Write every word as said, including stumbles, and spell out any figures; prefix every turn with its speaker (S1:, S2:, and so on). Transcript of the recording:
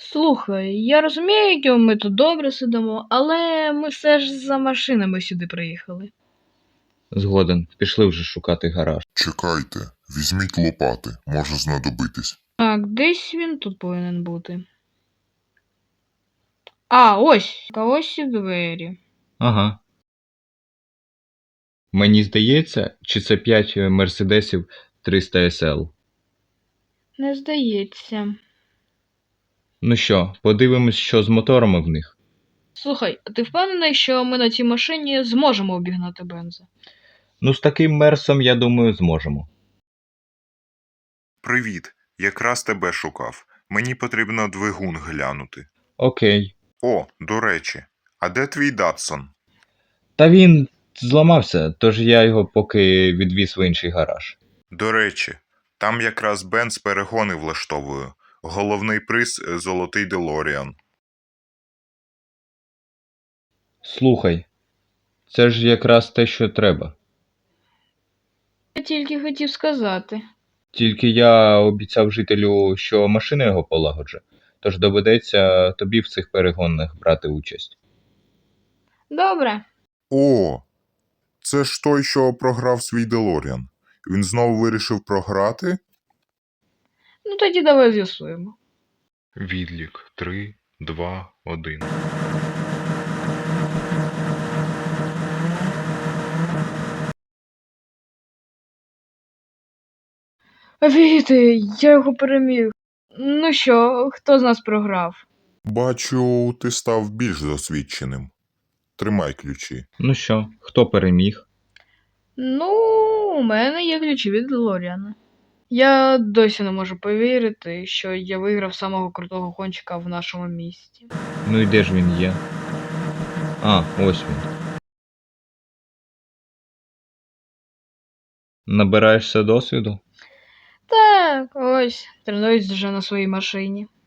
S1: Слухай, я розумію, що ми тут добре сидимо, але ми все ж за машинами сюди приїхали.
S2: Згоден, пішли вже шукати гараж.
S3: Чекайте, візьміть лопати, може знадобитись.
S1: Так, десь він тут повинен бути. А, ось, а ось і двері.
S2: Ага. Мені здається, чи це п'ять мерседесів триста ес ел.
S1: Не здається.
S2: Ну що, подивимось, що з моторами в них.
S1: Слухай, а ти впевнений, що ми на цій машині зможемо обігнати бенза?
S2: Ну, з таким мерсом, я думаю, зможемо.
S3: Привіт, якраз тебе шукав. Мені потрібно двигун глянути.
S2: Окей.
S3: О, до речі, а де твій Датсон?
S2: Та він зламався, тож я його поки відвіз в інший гараж.
S3: До речі, там якраз Бенц перегони влаштовує. Головний приз – золотий Делоріан.
S2: Слухай, це ж якраз те, що треба.
S1: Я тільки хотів сказати.
S2: Тільки я обіцяв жителю, що машина його полагоджу, тож доведеться тобі в цих перегонах брати участь.
S1: Добре.
S3: О, це ж той, що програв свій Делоріан. Він знову вирішив програти?
S1: Ну тоді давай з'ясуємо.
S3: Відлік три, два, один.
S1: Віти, я його переміг. Ну що, хто з нас програв?
S3: Бачу, ти став більш досвідченим. Тримай ключі.
S2: Ну що, хто переміг?
S1: Ну, у мене є ключі від Делоріана. Я досі не можу повірити, що я виграв самого крутого гонщика в нашому місті.
S2: Ну і де ж він є? А, ось він. Набираєшся досвіду?
S1: Так, ось, тренуюсь вже на своїй машині.